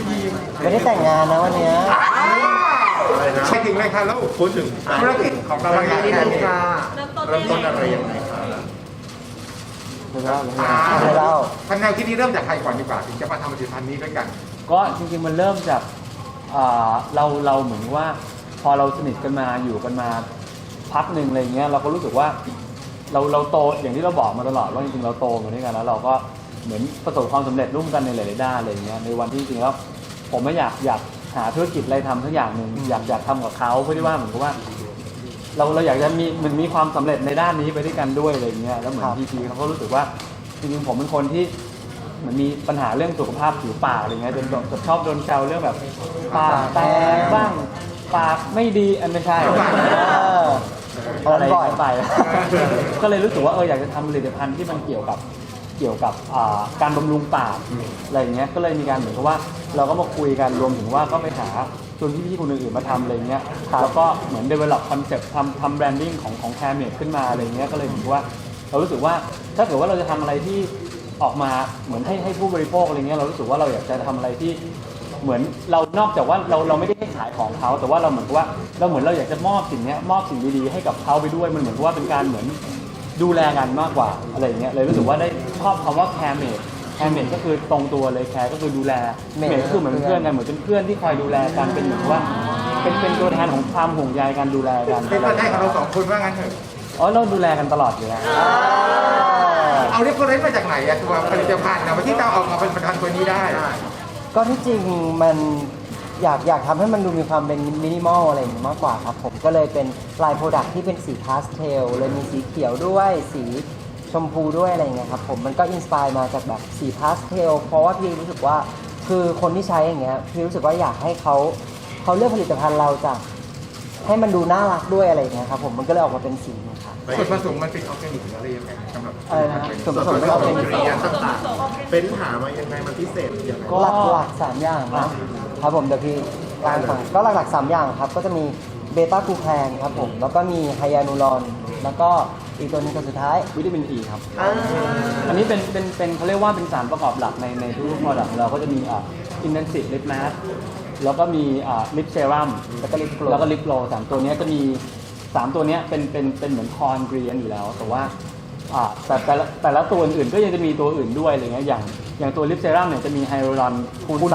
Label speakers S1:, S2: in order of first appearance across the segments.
S1: ทีม
S2: ไม่ได้แต่งงานนะวันเนี้ย
S1: ใช่ถึงไหมคะแล้วพูดถึงธุรกิจของเราอย่างนี้เลยค่ะ
S3: เริ่มต้น
S1: เริ่มต้น
S3: ได้
S1: อะไร
S3: ไง
S1: ยังไงคะ
S2: ไม่เล่าไม่เล่า
S1: ทางแนวคิดนี้เริ่มจากใครก่อนดีกว่าถึงจะมาทำผลิตภัณฑ์นี้ด้วยกัน
S4: ก็จริงๆมันเริ่มจากเราเหมือนว่าพอเราสนิทกันมาอยู่กันมาพักหนึ่งอะไรเงี้ยเราก็รู้สึกว่าเราโตอย่างที่เราบอกมาตลอดว่าจริงๆเราโตมาด้วยกันแล้วเราก็เหมือนประสบความสำเร็จร่วมกันในหลายๆด้านอะไรเงี้ยในวันที่จริงๆแล้วผมไม่อยากหาธุรกิจอะไรทำสักอย่างหนึ่งอยากทำกับเขาเพื่อที่ว่าเหมือนกับว่าเราอยากจะมีความสำเร็จในด้านนี้ไปด้วยกันด้วยอะไรเงี้ยแล้วเหมือนพีเขาก็รู้สึกว่าจริงๆผมเป็นคนที่เหมือนมีปัญหาเรื่องสุขภาพผิวปากอะไรเงี้ยจนชอบโดนแซวเรื่องแบบปากแตกบ้างปากไม่ดีอันไม่ใช่อะไรไป ก็เลยรู้สึกว่าอยากจะทำผลิตภัณฑ์ที่มันเกี่ยวกับการบำรุงปากอะไรเงี้ยก็เลยมีการเหมือนกับว่าเราก็มาคุยกันรวมถึงว่าก็ไปหาชวนพี่ๆคนอื่นๆมาทำอะไรเงี้ยแล้วก็เหมือน develop concept ทำ branding ของแคร์เมดขึ้นมาอะไรเงี้ยก็เลยเหมือนกับว่าเรารู้สึกว่าถ้าเกิดว่าเราจะทำอะไรที่ออกมาเหมือนให้ผู้บริโภคอะไรเงี้ยเรารู้สึกว่าเราอยากจะทำอะไรที่เหมือนเรานอกจากว่าเราไม่ได้ให้ขายของเขาแต่ว่าเราเหมือนกับว่าเราอยากจะมอบสิ่งนี้มอบสิ่งดีๆให้กับเขาไปด้วยมันเหมือนกับว่าเป็นการเหมือนดูแลกันมากกว่าอะไรอย่างเงี้ยเลยรู้สึกว่าได้ชอบคำว่าแคร์เมดก็คือตรงตัวเลยแคร์ก็คือดูแลเมดก็คือเหมือนเพื่อนกันเหมือนเป็นเพื่อนที่คอยดูแลกันเป็นเหมือนว่าเป็นตัวแทนของความห่วงใยการดูแลกัน
S1: เป็นตัวแทนของเราสองคนว่างั้นเถอะ
S4: เราดูแลกันตลอดอยู่แล้ว
S1: เอาเรฟเฟอเรนซ์มาจากไหนอะตัวผลิตภัณฑ์นะที่เราออกมาเป็นผลิตภัณฑ์ตัวนี้ได้
S2: ก็ที่จริงมันอยากทำให้มันดูมีความเป็นมินิมอลอะไรอย่างนี้มากกว่าครับผมก็เลยเป็นลายโปรดักที่เป็นสีพาสเทลเลยมีสีเขียวด้วยสีชมพูด้วยอะไรอย่างเงี้ยครับผมมันก็อินสปายมาจากแบบสีพาสเทลเพราะว่าพี่รู้สึกว่าคือคนที่ใช้อย่างเงี้ยพี่รู้สึกว่าอยากให้เขาเลือกผลิตภัณฑ์เราจากให้มันดูน่ารักด้วยอะไรอย่างเงี้ยครับผมมันก็เลยออกมาเป็นสีนี้ครับ
S1: ส่วนผสมมันเป็นออร์แกนิกหรืออะไรยังไงสำหรับ
S2: อะไรนะส่วนผสมเป็นออร์แกนิก
S1: ต่างๆเป็นหามายังไงมันพิเศษยังไง
S2: หลัก3อย่างนะครับผมเดี๋ยวพี่กลางฝั่งก็หลักๆ3อย่างครับก็จะมีเบต้ากลูแคนครับผมแล้วก็มีไฮยานูรอนแล้วก็อีกตัวหนึงตัวสุดท้าย
S4: วิตามินอีครับอันนี้เป็นเขาเรียกว่าเป็นสารประกอบหลักในทุกๆโปรดักต์เราก็จะมีintensive lip mask แล้วก็มีlip serum
S2: แล้วก็ลิปโกล
S4: แล้วก็ lip glow 3ตัวเนี้ยจะมี3ตัวเนี้ยเป็นเหมือนคอนเกรียนอยู่แล้วแต่ว่าแต่ละตัวอื่นๆก็ยังจะมีตัวอื่นด้วยอะไรเงี้ยอย่างตัว lip serum เนี่ยจะมีไฮโดรลอนคูณ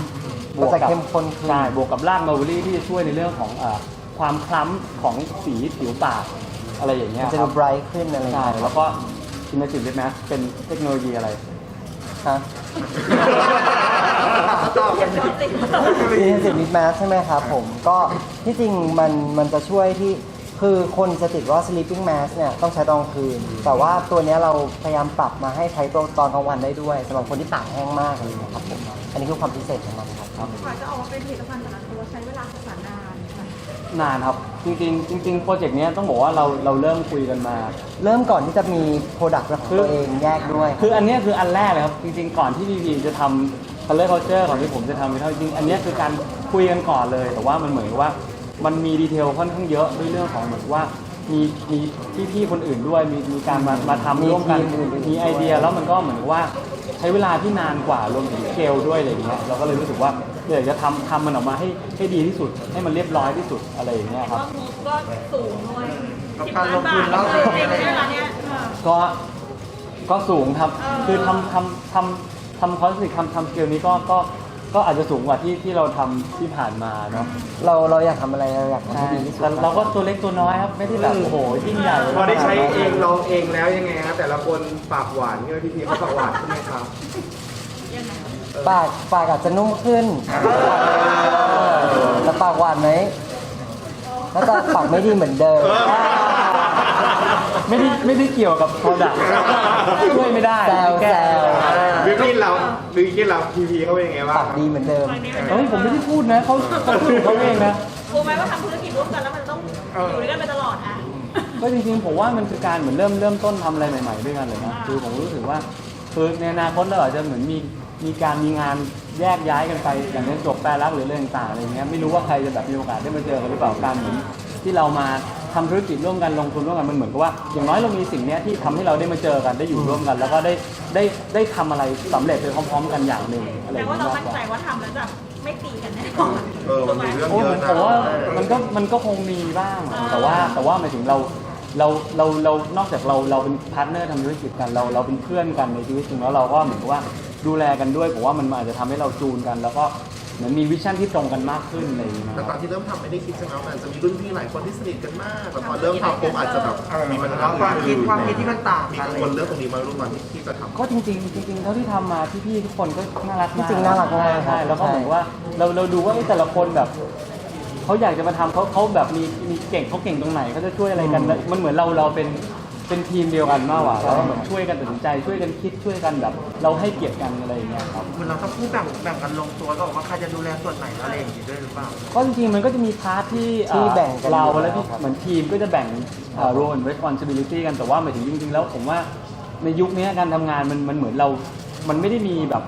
S4: 3
S2: ก็จะเข้มข้นขึ้น
S4: ใช่บวกกับรากมาร์เบอรี่ที่จะช่วยในเรื่องของความคล้ำของสีผิวปากอะไรอย่างเงี้ย
S2: มันจะ
S4: ค
S2: ดู
S4: รับ
S2: ไบรท์ขึ้นอะไรอย่าง
S4: ใช่
S2: เงี้ย
S4: แล้วก็อินเนอร์จิตแมสเป็นเทคโนโลยีอะไร
S2: ฮะ
S3: ตอบกันสิ
S2: Intensive Lip Mask ใช่ไหมครับผมก็ที่จริงมันจะช่วยที่คือคนจะติดว่า sleeping mask เนี่ยต้องใช้ตอนกลางคืน แต่ว่าตัวเนี้ยเราพยายามปรับมาให้ใช้ตอนกลางวันได้ด้วยสำหรับคนที่ปากแห้งมากอะไรอย่างเงี้ยครับผมอันนี้คือความพิเศษของมันครับ
S3: กว่าจะออกมาเป็นผลิตภัณฑ์แต่ละตัวใช้เวลาศึกษานานค่ะ
S4: นานครับ จริงโปรเจกต์นี้ต้องบอกว่าเราเริ่มคุยกันมา
S2: เริ่มก่อนที่จะมี Product เป็นของตัวเองแยกด้วย
S4: คืออันเนี้ยคืออันแรกเลยครับ จริงๆ ก่อนที่พีจะทำ color culture ก่อนที่ผมจะทำวิทยจริงอันเนี้ยคือการคุยกันก่อนเลย แต่ว่ามันเหมือนกับว่ามันมีดีเทลค่อนข้างเยอะด้วยเรื่องของเหมือนว่ามีพี่ๆคนอื่นด้วยมีการมาทำร่วมกัน
S2: มีทีมอื่น
S4: มีไอเดียแล้วมันก็เหมือนกับว่าใช้เวลาที่นานกว่ารวมถึงสเกลด้วยอะไรอย่างเงี้ยเราก็เลยรู้สึกว่าอยากจะทำมันออกมาให้ดีที่สุด ให้มันเรียบร้อยที่สุดอะไรอย่างเงี้ยครับ
S3: ก็งบก็สูงด้วย10 ล้านบาทแล้วจริงๆเนี่ยร้านเนี้ย
S4: ก็สูงครับ คือทำคอนสิททำสเกลนี้ก็อาจจะสูงกว่าที่เราทำที่ผ่านมาเนาะ
S2: เราอยากทำอะไรเราอยากทำให้ดีที่สุด
S4: แต่เราก็ตัวเล็กตัวน้อยครับ ไม่ได้แบบโอ้โหยิ่งใหญ่
S5: พอได้ใช้เองลองเองแล้วยังไงครับแต่ละคนปากหวานใช่ไหมพี่พีเขาปากหวานใช่ไหมครับ
S3: ยังไง
S2: ปากอาจจะนุ่มขึ้นแต่ปากหวานไหมแล้วก็ปากไม่ดีเหมือนเดิม
S4: ไม่ได้เกี่ยวกับโปรดักต์ช่วยไม่ได้
S2: แซว
S4: ก้
S5: บิวกิ้นเราพีพีเขาเป็นยังไงบ้าง
S2: ปากดีเหมือนเดิม
S4: เฮ้ยผมไม่ได้พูดนะเขาพูดเขาเองนะ
S3: กลัวไหมว่าทำธุรกิจร่วมกันแล้วมันต้องอยู่ด้วยกันไปตลอดอ่ะ
S4: ก็จริงๆผมว่ามันคือการเหมือนเริ่มต้นทำอะไรใหม่ๆด้วยกันเลยนะคือผมรู้สึกว่าคือในอนาคตเราอาจจะเหมือนมีงานแยกย้ายกันไปอย่างเช่นจบแปรรักหรือเรื่องต่างๆอะไรเงี้ยไม่รู้ว่าใครจะแบบมีโอกาสได้มาเจอกันหรือเปล่าการเหมือนที่เรามาทำธุรกิจร่วมกันลงทุนร่วมกันมันเหมือนกับว่าอย่างน้อยเรามีสิ่งเนี้ยที่ทำให้เราได้มาเจอกันได้อยู่ร่วมกัน แล้วก็ได้ทำอะไรสำเร็จไปพร้อมๆกันอย่างหนึ่งอะไรอ
S3: แต่
S4: ย่าง
S3: ว่า
S4: นี้
S3: เรา
S4: มาก
S3: มั่น
S4: กว่า
S3: ใจว่าทำแล้วจะไม่ตีกันแน่นอน
S6: มันมีเรื่อง
S4: โอ้
S6: เยอะนะ
S4: ผมว่ามันก็คงมีบ้างแต่ว่าหมายถึงเรานอกจากเราเป็นพาร์ทเนอร์ทำธุรกิจกันเราเป็นเพื่อนกันในชีวิตจริงแล้วเราก็เหมือนกับว่าดูแลกันด้วยผมว่ามันอาจจะทำให้เราจูนกัน แล้วก็เหมือนมีวิชั่นที่ตรงกันมากขึ้นอะไรอย่างเงี้ย
S6: แต่ตอนที่เริ่มทำไม่ได้คิดใช่ไหมว่ามันจะมีรุ่นพี่หลายคนที่สนิทกันมากแต่พอเริ่มทำปุ๊บอาจจะแบบมีปัญหา
S5: ความคิดที่มันต่าง
S6: มี
S5: กัน
S6: กังวลเรื่องตรงนี้มารุ่นวันที่จะทำ
S4: ก็จริงๆเท่าที่ทำมาพี่ๆทุกคนก็น่ารักมาก
S2: จริงๆน่ารักมากครับ
S4: ใช่แล้วก็เหมือนว่าเราดูว่าแต่ละคนแบบเขาอยากจะมาทำเขาแบบมีเก่งเขาเก่งตรงไหนเขาจะช่วยอะไรกันแล้วมันเหมือนเราเป็นทีมเดียวกันมากกว่าแล้วก็เหมือนช่วยกันตัดสินใจช่วยกันคิดช่วยกันแบบ เราให้เกียรติกันอะไรอย่างเงี้ยครับ
S5: มันเราต้องพูดแบ่งกันลงตัวก็บอกว่าใครจะดูแลส่วนไหนอะไรอย่างนี้ด้วยหรือเปล่า
S4: ก็จริงๆมันก็จะมีพาร์ทที่
S2: ที่แบ่งกัน
S4: เรา
S2: อยู่
S4: แล้วที่
S2: ครับ
S4: เหมือนทีมก็จะแบ่งrole and responsibility กันแต่ว่าหมายถึงจริงๆแล้วผมว่าในยุคนี้การทำงานมันเหมือนมันไม่ได้มีแบบ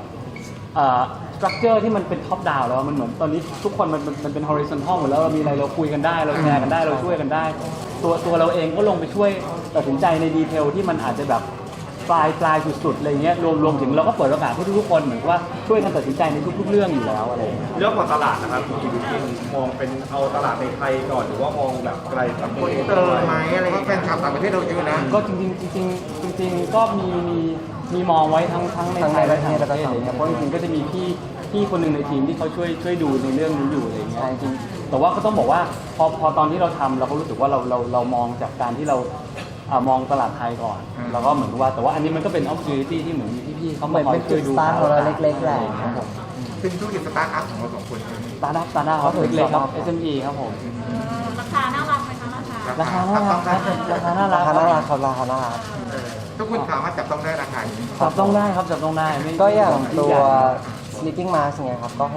S4: structure ที่มันเป็น top down แล้วมันเหมือนตอนนี้ทุกคนมันเป็น horizontal หมดแล้วเรามีอะไรเราคุยกันได้เราแชร์กันได้เราช่วยกันได้ตัวเราเองก็ลงไปช่วยตัดสินใจในดีเทลที่มันอาจจะแบบปลายสุดๆอะไรเงี้ยรวมถึงเราก็เปิดโอกาสให้ทุกๆคนเหมือนว่าช่วยกันตัดสินใจในทุกๆเรื่องอยู่แล้วอะไรอย่างเงี้ย
S5: เรื่องของตลาดนะครับคุณกินมองเป็นเอาตลาดในไทยก่อนหรือว่ามองแบบไกลต่างประเทศไหมอะไร
S1: เพราะแฟนคลับต่างประเทศเราเยอะนะ
S4: ก็จริงๆก็มีมองไว้ทั้งในไทยและต่างประเทศอะไรเงี้ยเพราะจริงๆก็จะมีพี่คนหนึ่งในทีมที่เขาช่วยดูในเรื่องนี้อยู่อะไรเงี้ยจริงๆแต่ว่าก็ต้องบอกว่าพอตอนที่เราทำเราก็รู้สึกว่าเรามองจากการที่เรามองตลาดไทยก่อนแล้วก็เหมือนว่าแต่ว่าอันนี้มันก็เป็น opportunity ที่เหมือนมีพี่ๆเขา
S2: เหมื
S4: มา
S2: อน
S4: คอย
S2: เป็น
S4: ช่
S2: จุ
S4: ว
S2: ด
S4: ยดู
S2: สตาร์ทของเราเล็กๆแหละครับผม
S1: ซึ่งธุรกิจสตาร์ทอัพของเราสองคน
S4: ตาร์ทอัพครับเล็กๆครับ SME ครับผม
S3: ราคาน่ารักไหมคะราคา
S4: ราคาน่ารักครับราคาน่ารั
S2: ราก คาน่ารักครับราคาน่ารัก
S1: ทุกคนสามารถจับต้องได้ราคานี้
S4: จับต้องได้ครับจับต้องได้ไม่
S2: ก็อย่างตัว
S4: ใหญ่
S2: sleeping mask เนี่ยครับก็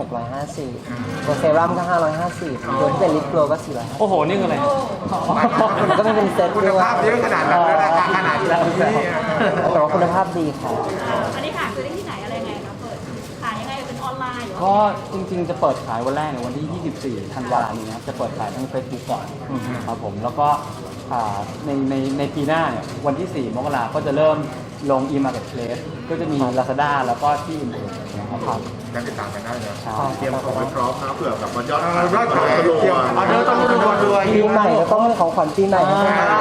S2: 650ตัวเซรั่มก็550ตัวที่เป็นลิปโกลก็450
S4: โอ้โหนี่คืออะไร
S2: มันก็ไม่เป็นเซ็ต
S1: คุณ
S2: ด้วย
S1: ภาพเยอะขนาดนั้นแล้วราคาขนาดนี้
S2: แต่ว่าคุณภาพดีครับ
S3: อันนี้หาซื้อได้ที่ไหนอะไรยังไงคะเปิดขายยังไงเป็นออนไลน์หรือว่า
S4: ก็จริงๆจะเปิดขายวันแรกในวันที่ 24 ธันวาคมนี้ครับจะเปิดขายทาง Facebook ก่อนครับผมแล้วก็ในปีหน้าเนี่ยวันที่ 4 มกราคมก็จะเริ่มลง e-marketplace ก็จะมี Lazada แล้วก็ที่อื่นๆนะครับ
S1: การติดตามกันได้เลย
S4: ใช่
S6: เตรียมของไว้พร้อมนะเผื่อแบบมันยอด
S1: ยอดขาย
S6: ทะลุ
S1: เตรียม
S6: อ่ะ
S1: ออเดอร์ต้องดูด้วย
S2: ปีใหม่ก็ต้องเป็นของขวัญปีใหม่ให้แฟน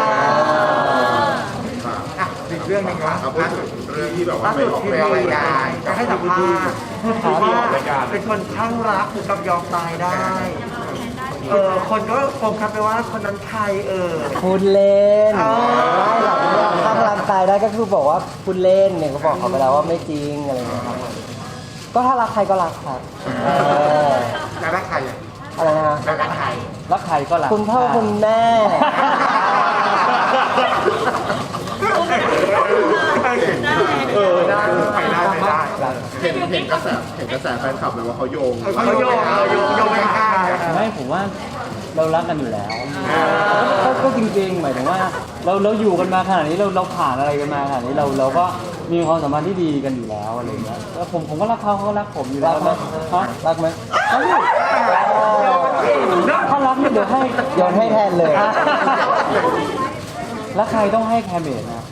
S1: อ่ะอีกเรื่องหนึงครับ
S6: เอาพูดถึงเรื่องที่แบบว่าไปออก
S1: ไปออกรายการ
S5: จะให้สัมภาษณ์ว่าเป็นคนข้างรักถึงกับยอมตายได้ คนก็โฟกัสไปว่าคนนั้นใคร
S2: พูดเล่น
S5: อ๋อ
S2: ไม่หลังข้างรักตายได้ก็คือบอกว่าพูดเล่นเนี่ยก็บอกเขาไปแล้วว่าไม่จริงอะไรอย่างเงี้ยครับก็ถ้ารักใครก็รักครับ
S1: แล้วรักใครอ่ะ
S2: อะไรนะ
S1: แล้วรักใคร
S4: รักใครก็รัก
S2: คุณพ่อคุณแม่
S1: ได้ไปได้
S6: เห็นกระแสแฟนคลับเลยว่าเขาโยง
S1: เขาโยงไปข้าง
S4: ไม่ผมว่าเรารักกันอยู่แล้วก็จริงๆหมายถึงว่าเราอยู่กันมาขนาดนี้เราผ่านอะไรกันมาขนาดนี้เราก็มีความสัมพันธ์ที่ดีกันอยู่แล้วอะไรเงี้ยแล้วผมก็รักเขาก็รักผมอยู่แล้วนะฮะ
S2: รักไหม
S4: ถ้ารักเนี่ยเดี๋ยวให้
S2: โยนให้แทนเลย
S4: แล้วใครต้องให้แคมเมดนะ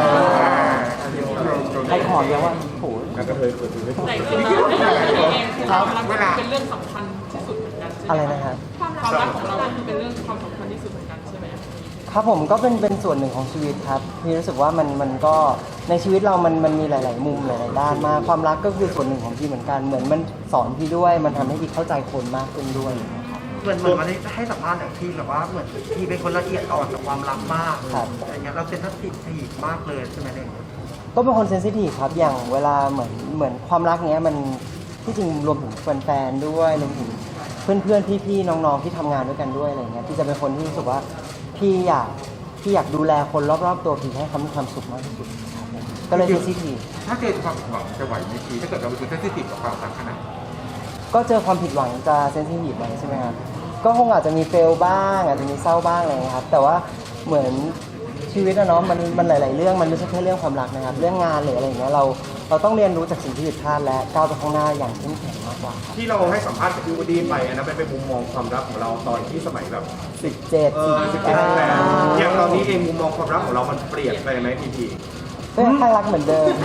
S4: ใครขอเดียวว่าโห
S3: แต่คือเราเองคือความรักเป็นเรื่องสำคัญที่สุดเหมือนกัน
S2: อะไรนะครับ
S3: ความรักของเราคือเป็นเรื่องความสำคัญที่สุดเหมือนกันใช่ไหม
S2: ครับผมก็เป็นส่วนหนึ่งของชีวิตครับพี่รู้สึกว่ามันก็ในชีวิตเรามันมีหลาย ๆ มุมหลาย ๆ ด้านมากความรักก็คือส่วนหนึ่งของพี่เหมือนกันเหมือนมันสอนพี่ด้วยมันทำให้พี่เข้าใจคนมากขึ้นด้วยนะครับ
S5: เหมือนวันนี้ให้สัมภาษณ์อย่างที่แบบว่าเหมือนพี่เป็นคนละเอียดอ่อนกับความรักมากอะไรเงี้ยเราเป็นทัศน์ทีมากเลยใช่ไหมเนี่ย
S2: ก็เป็นคนเซนซิทีฟครับอย่างเวลาเหมือนความรักเนี้ยมันที่จริงรวมถึงแฟนๆด้วยรวมถึงเพื่อนๆพี่ๆน้องๆที่ทำงานด้วยกันด้วยอะไรเงี้ยพี่จะเป็นคนที่รู้สึกว่าพี่อยากดูแลคนรอบๆตัวพี่ให้เขามีความสุขมากที่สุดครับผมก็เลยเซนซิทีฟ
S1: ถ้าเจอความหวังจะไหวไหมทีถ้าเกิดเราเป็นคนเซนซิทีฟกับความรักขนาด
S2: ก็เจอความผิดหวังจะเซนซิทีฟไปใช่ไหมครับก็คงอาจจะมีเฟลบ้างอาจจะมีเศร้าบ้างอะไรเงี้ยครับแต่ว่าเหมือนชชีวิตอะเนาะมันหลาย ๆ เรื่องมันไม่ใช่แค่เรื่องความรักนะครับเรื่องงานหรืออะไรอย่างเงี้ยเราต้องเรียนรู้จากสิ่งที่ผิดพลาดและก้าวไปข้างหน้าอย่างเข้มแข็งมากกว่าครับ
S6: ที่เราให้สัมภาษณ์กับพี่วูดดี้ไปนะเป็นมุมมองความรักของเราตอนที่สมัยแบบ
S2: 17
S6: 17แล้วอย่างตอนนี้เองมุมมองความรักของเรามันเปลี่ยนไปไหมพี่พี
S2: ก็ยังข้างรักเหมือนเดิม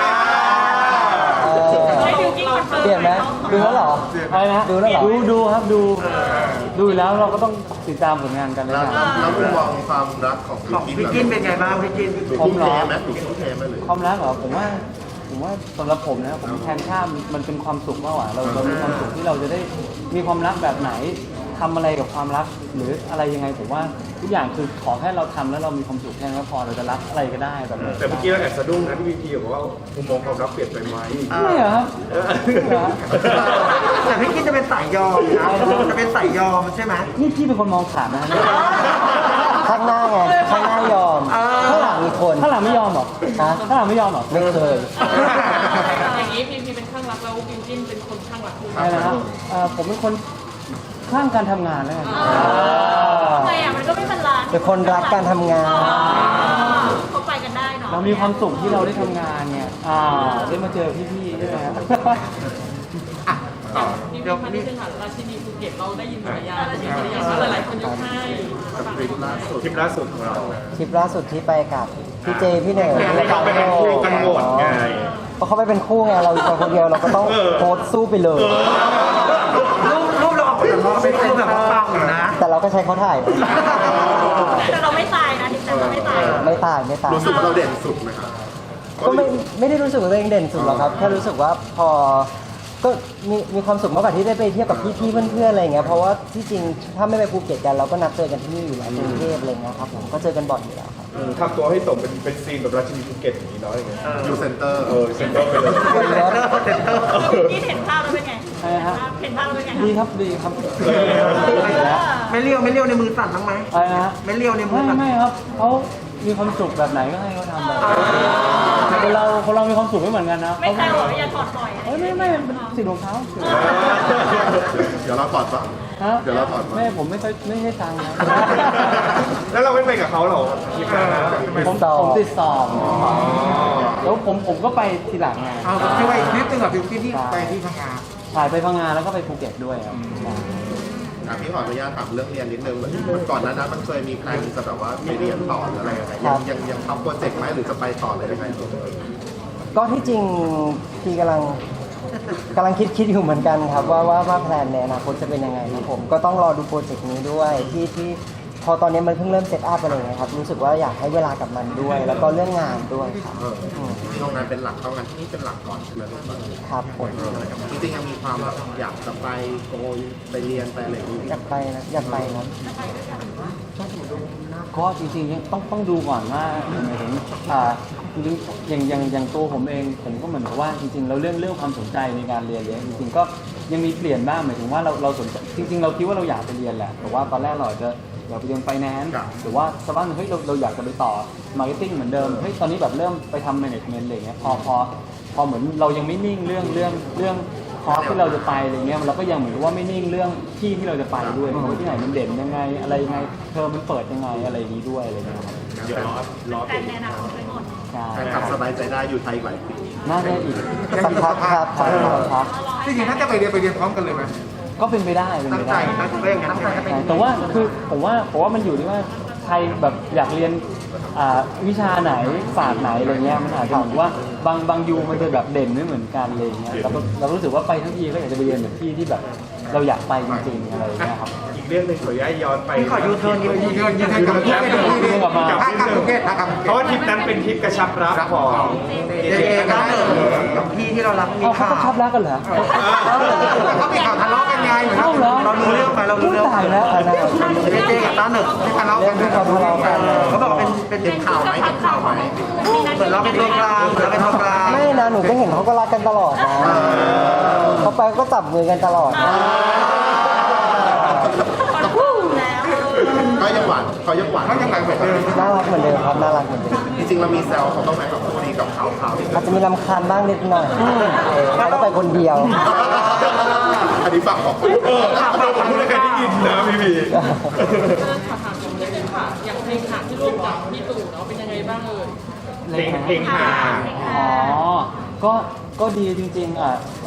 S3: ให้บิวกิ้นคอนเฟิร์ม
S2: เปลี่ยนไหมดูแล้วเหรอ
S4: อะไรนะ
S2: ดูแล้วเหรอ
S4: ดูครับดูอยู่แล้วเราก็ต้องติดตามผลงานกันเลย
S6: แล้ว
S4: นะ
S6: แล้วมุมมองความรักของ
S5: ของพี่กินเป็นไงบ้างพี่กิน
S6: ทุ่มเทไหมถูกทุ่มเทไหมหรือ
S4: ความรักเหรอผมว่าสำหรับผมนะผมแทนค่ามันเป็นความสุขมากกว่าเรามีความสุขที่เราจะได้มีความรักแบบไหนทำอะไรกับความรักหรืออะไรยังไงผมว่าทุกอย่างคือขอแค่เราทำแล้วเรามีความสุขแค่นั้นก็พอเราจะรักอะไรก็ได้แบบนั้น
S6: แต่เมื่อกี้เราแอบสะดุ้งนะที่พี่พีบอกว่ามุมมองความรักเปลี่ยนไปไหม
S4: ไม่เหรอครับไม่เหรอ
S5: แต่พี่กินจะเป็นสายยอมนะจะเป็นสายยอมใช่ไหม
S4: นี่พี่เป็นคนมองขาดนะ
S2: ข้างหน้าไงข้างหน้ายอมข้างหลังมีคน
S4: ข้างหลังไม่ยอมหรอ
S2: ฮะ
S4: ข้างหลังไม่ยอมหรอ
S2: ไม่เคย
S3: อย่างนี้พีเป็นข้างรักแล้วบิวกิ้นเป็นคนข้างรักคุณ
S4: ใช่แล้วผมเป็นคนข้างการทำงานแล้วกัน
S7: ทำไมอ่ะมันก็ไม่บาลานซ์
S2: เป็นคนรักการทำงาน
S7: เขาไปกันได้เนาะ
S4: เรามีความสุขที่เราได้ทำงานเนี่ยได้มาเจอพี่ๆใช่ไหมครับ
S3: มีพันธุ์เป็นราชินีภูเก็ตเราได้ยินฉายามีภรรยาหลายๆคนยกให้
S6: ทริปล่าสุดของเรา
S2: ทริปล่าสุดที่ไปกับพี่เจพี่เหน่งพี่
S6: เราไปเป็นคู่กันหมดไง
S2: เพราะเขาไปเป็นคู่ไงเราอยู่คนเดียวเราก็ต้องโพสต์สู้ไปเลย
S5: รูปเราออกจากเราเป็นรูปแบบว่าปังอยู่นะ
S2: แต่เราก็ใช้เขาถ่าย
S7: แต่เราไม่ตายนะที่แต่เราไม่ตาย
S2: ไม่ตายไม่ตาย
S6: รู้สึกว่าเราเด่นสุดไหมครับ
S2: ก็ไม่ได้รู้สึกว่าตัวเองเด่นสุดหรอกครับแค่รู้สึกว่าพอก็มีความสุขมากกว่าที่ได้ไปเที่ยวกับพี่ๆเพื่อนๆอะไรอย่างเงี้ยเพราะว่าที่จริงถ้าไม่ไปภูเก็ตกันเราก็นัดเจอกันที่นี่อยู่แล้วกรุงเทพอะไรเงี้ยครับผมก็เจอกันบ่อยอยู่แล้วครับ
S8: ทำตัวให้สมเป็นซีนแบบราชินีภูเก็ตอย่างนี้เนาะอย่างเงี้ย
S6: อยู่เซ็นเตอร์
S8: เซ็นเตอร์ไปเลย
S7: ที่เห็นภาพแล้วเป็นไง
S4: ใช่ครับ
S7: เห็นภาพแล้วเป็นไง
S4: ดีครับดีครับ
S5: ไม่เลี้ยวในมือสั่นบ้างไหม
S4: อะไรนะ
S5: ไม่เลี้ยวในมือสั่น
S4: ไม่ครับเขามีความสุขแบบไหนก็ให้เขาทำแบบคนเรามีความสุขไม่เหมือนกันนะ
S7: ไม่ใช่หรออย่าถอดปล่อย
S4: ไม่เป็นสิ่งของเขา
S6: เดี๋ยวเราถอดปะ
S4: ฮะ
S6: เดี๋ยวเราถอดปะ
S4: ไม่ผมไม่ให้ตังค์นะ
S8: แล้วเราไม่ไปกับเขาเหรอทริปนั้นนะ
S4: ผมติดสอบแล้วผมก็ไปทีหลังไง
S1: เอาที่ว่าอีกนิดนึงกับบิวกิ้นที่ไปที่พังงา
S4: ถ่ายไปพังงานแล้วก็ไปภูเก็ตด้วยครับ
S6: พี่ขออนุญาตถามเรื่องเรียนนิดนึงเหมือนก่อนหนั้นมันเคยมีแพลนจะแบบว่าไปเรียนต่อหรืออะไรยังทำโปรเจกต์ไหมหรือจะไปต่อเลยยังไง
S2: ก็ที่จริงพี่กำลังคิดอยู่เหมือนกันครับว่าแพลนในอนาคตจะเป็นยังไงครับผมก็ต้องรอดูโปรเจกต์นี้ด้วยที่พอตอนนี้มันเพิ่งเริ่มเซตอัพอะไรอย่างเงี้ยครับรู้สึกว่าอยากให้เวลากับมันด้วย แล้วก็เรื่องงานด้วยครับ
S6: ที่โรงงานเป็นหลักเท่านั้นที่นี่เป็นหลักก่อนใช่ไหมลูก
S2: ครับผม
S6: จริงๆยังมีความแบบอยากจะไปโกยไปเรียนไปอะไรอย่างนี้
S2: อยากไปครับ
S4: ก็จริงๆต้องดูก่อนว่าหมายถึงจริงๆอย่างตัวผมเองผมก็เหมือนกับว่าจริงๆเราเรื่องความสนใจในการเรียนจริงๆก็ยังมีเปลี่ยนบ้างหมายถึงว่าเราสนใจจริงๆเราคิดว่าเราอยากไปเรียนแหละแต่ว่าตอนแรกเราอาจจะอยากไปเรียนไฟแนนซ์หรือว่าสักวันเฮ้ยเราอยากจะไปต่อมาร์เก็ตติ้งเหมือนเดิมเฮ้ยตอนนี้แบบเริ่มไปทำแมネจเมนต์อะไรเงี้ยพอเหมือนเรายังไม่นิ่งเรื่องคอร์สที่เราจะไปอะไรเงี้ยเราก็ยังเหมือนว่าไม่นิ่งเรื่องที่เราจะไปด้วยว่าที่ไหนมันเด่นยังไงอะไรยังไงเทอมมันเปิดยังไงอะไรอย่างนี้ด้วยอะไรเงี้ยครับ
S6: เดี๋ยวรอ
S7: แต่ในอนาคตไปหมด
S4: ใช่
S6: แฟนคลับสบายใจได้อยู่ไทยอีกหลายปี
S4: น่าจะอีก
S2: สักพักครับ
S1: จริงๆถ้าจะไปเรียนพร้อมกันเลยไหม
S4: ก็เป็นไปได้เป็น
S1: ตั้
S4: ไป
S1: งใจ
S4: ได้
S1: ตั้งใจอย่างนั้นตั้งใจจะไป
S4: แต่ว่าคือผมว่ามันอยู่ที่ว่าใครแบบอยากเรียนวิชาไหนศาสตร์ไหนอะไรเงี้ยมันอาจจะเหมือนว่าบางยูมันจะแบบเด่นไม่เหมือนกันอะไรเงี้ยเรารู้สึกว่าไปทั้งทีก็อยากจะไปเรียนแบบที่แบบเราอยากไปจริงๆอะไรเงี้ยครับ
S8: อีกเรื่องหนึ่งขออนุญาตย้อนไป
S5: พี่ขอยูเทิร์นนิดนึง
S1: ยืนให้กับภูเก็ตกับภูเก็ตกับภูเก็ต
S8: เพราะว่าทริปนั้นเป็นทริปกระชับรักของ
S5: เจก็เนิร์กับพี่ที่เรารักมี
S4: เอาเขา
S5: ข่าว
S4: ก็ชอบรักกันเหรอ
S1: เขามีข่าวทะเลาะกันไงเหมือน
S4: เอ้าเหรอ
S5: เรารู้เรื่องไหมเรารู้เรื่อง
S4: ตายแล้ว
S5: เจกับต้าเนิร์
S1: ที่ทะเลาะ
S2: เรื่
S1: กั
S2: อน งที่เขาทะเลาะกัน
S5: เขาบอกเป็นข่าวไหมเป็นข่าวไหมเหมือนเราเป็นตัวกลางเหมือนเราเป็นตัวกลาง
S2: ไม่นะหนูก็เห็นเขาก็รักกันตลอดนะเขาไปก็จับมือกันตลอดนะ
S6: ก็ยังหวานเขายังหวาน
S1: เขายังไงเหมือนเดิม
S2: น่ารักเหมือนเดิมครับน่ารักเหมือนเดิม
S6: จริงๆเรามีแซวเขาต้องไหมกับคู่นี้กับข่าวที่
S2: อาจจะมีรำคาญบ้างนิดหน่อยเขาต้องไปคนเดียว
S6: อันนี้ฝากบอกคน
S8: ผมพูดแล้วกันได้ยินนะพี่
S3: ถามอย่างนี้ค่ะอย่างเพลงขาที่ร่วมกับพี่ตู่เนาะ
S8: เพลงหา
S4: อ๋อ ก็ดีจริงๆ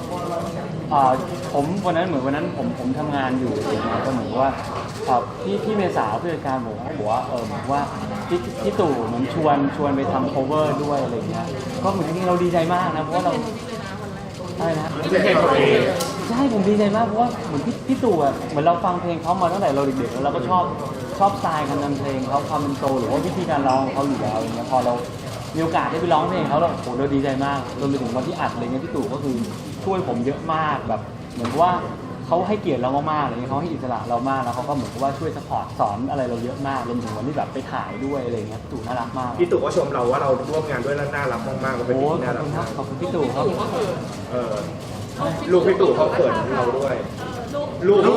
S4: ผมวันนั้นเหมือนวันนั้นผมทำงานอยู่อะไรเงี้ยก็เหมือนว่าพี่เมษาผู้จัดการผมเขาบอกว่าเหมือนว่าพี่ตู่เหมือนชวนไปทำ cover ด้วยอะไรเงี้ยก็เหมือนจริงๆเราดีใจมากนะเพราะว่าเราอะไรนะ ใช่ผมดีใจมากเพราะว่าเหมือนพี่ตู่อ่ะเหมือนเราฟังเพลงเขามาตั้งแต่เราเด็กๆแล้วเราก็ชอบสไตล์การทำเพลงเขาความเป็นโซลหรือว่าวิธีการร้องเขาอยู่แล้วอย่างเงี้ยพอเรามีโอกาสได้ไปร้องเพลงเขาเราโหเราดีใจมากจนไปถึงวันที่อัดอะไรเงี้ยพี่ตู่ก็คือช่วยผมเยอะมากแบบเหมือนว่าเขาให้เกียรติเรามากๆอะไรเงี้ยเขาให้อิสระเรามากแล้วเขาก็เหมือนกับว่าช่วยซัพพอร์ตสอนอะไรเราเยอะมากรวมถึงวันที่แบบไปถ่ายด้วยอะไรเงี้ยพี่ตู่น่ารักมาก
S8: พี่ตู่ก็ชมเราว่าเราร่วมงานด้วยแล้วน่ารักมากๆก็เป็น
S4: โอ้
S8: สิ่งที่
S4: ขอ
S8: น่า
S4: บ
S8: รัก
S4: คุณครั
S8: มา
S4: บขอบคุณพี่ตู่ครับ
S8: เออลูกพี่ตู่เขาเขินเราด้วยลูก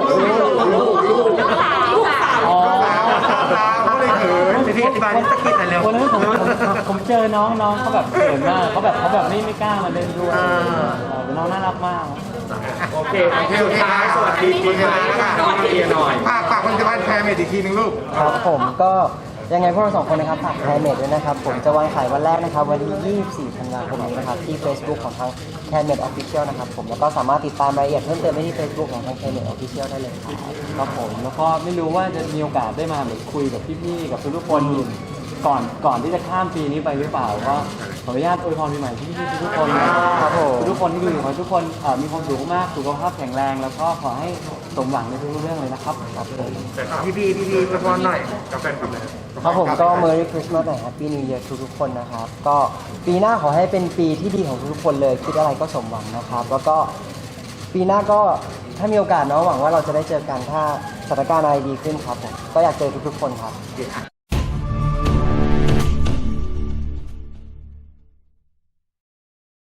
S4: อ๋อ
S1: เขาเลยเขิน
S5: พี่อธิบายนิสกิจหน่อยเร็ว
S4: วันนั้นผมเจอน้องเขาแบบเขินมากเขาแบบไม่กล้ามาเล่นด้วยแต่น้องน่ารักมาก
S8: โอเคสุดท้ายสวัสดีปีใหม่เอียหน่อย
S1: ฝากผลิตภัณฑ์แพรเมดอีกทีนึงลูก
S2: ครับผมก็ยังไงพวกเราสองคนนะครับฝากแคร์เมดด้วยนะครับผมจะวางขายวันแรกนะครับวันที่24ธันวาคมนี้นะครับที่ Facebook ของทางแคร์เมดออฟฟิเชียลนะครับผมแล้วก็สามารถติดตามรายละเอียดเพิ่มเติมได้ที่ Facebook ของทางแคร์เมดออฟฟิเชียลได้เลยครับ
S4: ครับผมแล้วก็ไม่รู้ว่าจะมีโอกาสได้มาแบบคุยกับพี่ๆกับทุกๆคนก่อนที่จะข้ามปีนี้ไปหรือเปล่าก็ขออนุญาตอวยพรปีใหม่พี่ๆทุกๆคนนะครับ
S2: ผม
S4: ทุกคนที่ดูอยู่ขอให้ทุกคนมีความสุขมากสุขภาพแข็งแรงแล้วก็ขอให้สมหวังในทุกๆเรื่องเลยนะครับครับผม
S5: พี่ประพรหน่อย
S8: กับแฟนคลับนะ
S2: ครับผมก็ Merry Christmas และ Happy New Year ทุกๆคนนะครับก็ปีหน้าขอให้เป็นปีที่ดีของทุกๆคนเลยคิดอะไรก็สมหวังนะครับแล้วก็ปีหน้าก็ถ้ามีโอกาสเนาะหวังว่าเราจะได้เจอกันถ้าสถานการณ์อะไรดีขึ้นครับผมก็อยากเจอทุกๆคนครับ